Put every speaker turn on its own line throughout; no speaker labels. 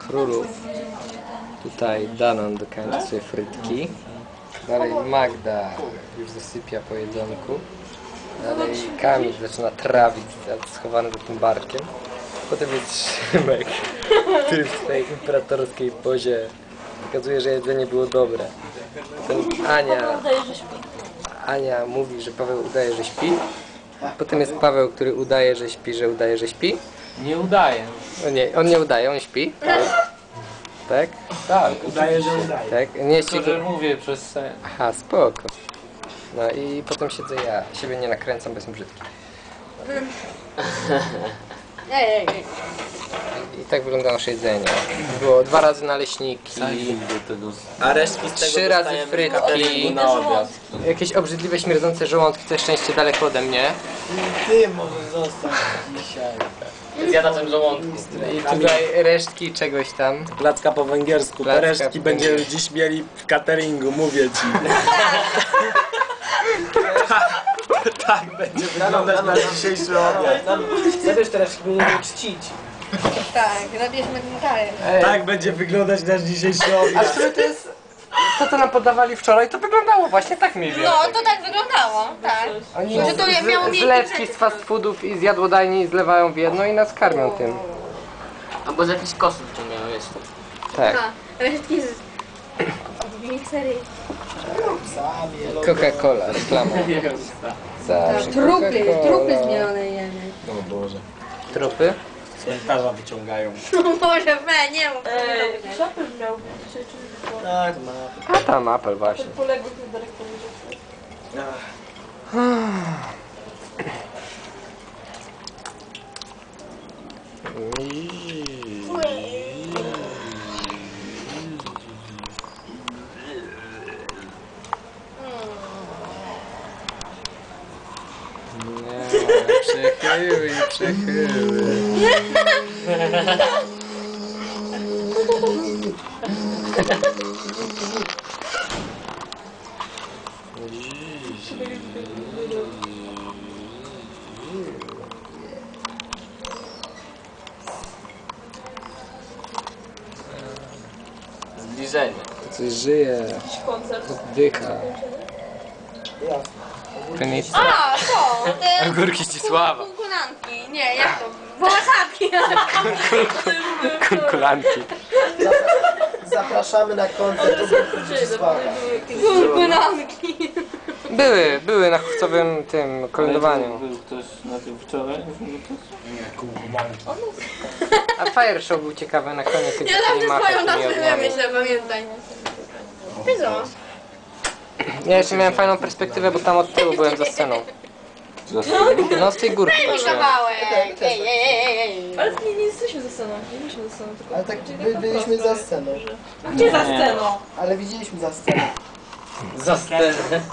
królów. Tutaj Danon dokończy sobie frytki. Dalej Magda już zasypia po jedzonku. Dalej Kamil zaczyna trawić schowany za tym barkiem. Potem jest Szymek, który w swojej imperatorskiej pozie pokazuje, że jedzenie było dobre. Potem Ania mówi, że Paweł udaje, że śpi. Potem jest Paweł, który udaje, że śpi, że udaje, że śpi.
Nie udaje.
No nie, on nie udaje, on śpi. Tak?
Tak,
Udaje, że udaje.
Tak? Nie
tylko, że mówię przez sen.
Aha, spoko. No i potem siedzę ja. Siebie nie nakręcam, bo jestem brzydki. I tak wygląda nasze jedzenie. Było 2 razy naleśniki,
A resztki z tego
3 razy
dostajemy
frytki,
na obiad.
jakieś obrzydliwe, śmierdzące żołądki, to szczęście daleko ode mnie.
Ty możesz zostać dzisiaj.
Zjada ten żołądku.
I tutaj resztki czegoś tam.
Placka po węgiersku.
Placka
Te resztki
po
będziemy dziś mieli w cateringu, mówię ci. Tak będzie wyglądać nasz dzisiejszy obiad.
Zabierz teraz, będziemy czcić.
Tak, nabierzmy ten karek.
Tak będzie wyglądać nasz dzisiejszy
A w
obiad.
sumie to jest... To, co nam podawali wczoraj, to wyglądało właśnie tak mniej więcej.
No, to tak wyglądało, tak.
Oni
Że to nie miało miejsca
zlewki
przed-
z fast foodów i z jadłodajni zlewają w jedno i nas karmią tym.
Albo z jakichś kosów wyciągają jeszcze.
Tak.
A, resztki z... miksery.
Coca-Cola, reklama. Zawsze
Trupy
Coca-Cola.
zmielone jemy.
O Boże.
Trupy?
Cmentarza wyciągają.
No może, nie mów.
Szapel miał dzisiaj, czy
Tak, ma.
A tam Apple właśnie.
poległych na dyrektorze.
Nie, przechyły i przechyły.
Zbliżenie.
Coś żyje,
Koncert.
oddycha. Prynica.
A, to, te
Ogórki Zdzisława.
kunkulanki. Nie, jak to? Wołosatki.
Kunkulanki.
Zapraszamy na koncert Zdzisława.
Kunkulanki.
Były na chówcowym tym kolędowaniu.
Był ktoś na tym wczoraj?
A Fire Show był ciekawy na koniec, kiedy
Ja
zaczęli
zawsze
machać
swoją
tymi
nazwę
ogniami.
myślę, pamiętaj. Wiedzą.
Ja jeszcze miałem fajną perspektywę, bo tam od tyłu byłem za sceną. No z tej górki
Daj mi
patrzyłem.
kawałek. Ej.
Ale nie jesteśmy za sceną, nie byliśmy za sceną, tylko...
Ale tak byliśmy za sceną.
Gdzie za sceną?
Ale widzieliśmy za sceną.
Za scenę.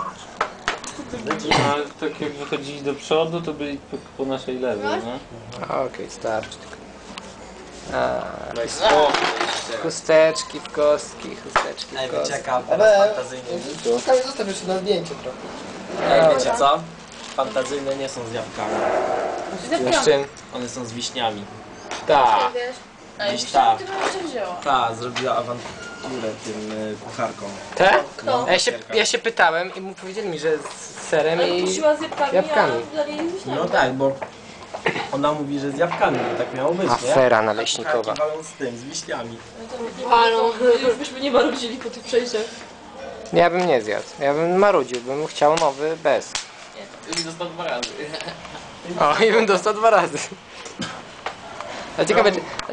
No, tak jak wychodzili do przodu, to byli po naszej lewej, no.
Okej, starczy tylko. Chusteczki w kostki, chusteczki w kostki.
Ciekawe,
Ale
fantazyjne.
Kamil, zostaw jeszcze na zdjęcie trochę.
Ej, wiecie co? Fantazyjne nie są z jabłkami.
Z czym?
One są z wiśniami.
Tak.
Ej,
Gdzieś ta.
ty jeszcze wzięła.
Ta zrobiła awanturę tym kucharkom.
Te?
No.
Ja się pytałem i mu powiedzieli mi, że z serem
Ale
i...
kusiła z jabłkami,
jabłkami.
a dla niej z wiśniami.
No tak, bo ona mówi, że z jabłkami, no tak miało być, nie?
Afera
A
naleśnikowa.
kucharki walą z tym, z wiśniami.
Już byśmy nie marudzili po tych przejściach.
Ja bym nie zjadł. Ja bym marudził, bym chciał nowy bez.
I dostał 2 razy.
O, i bym dostał 2 razy. A ciekawe, czy,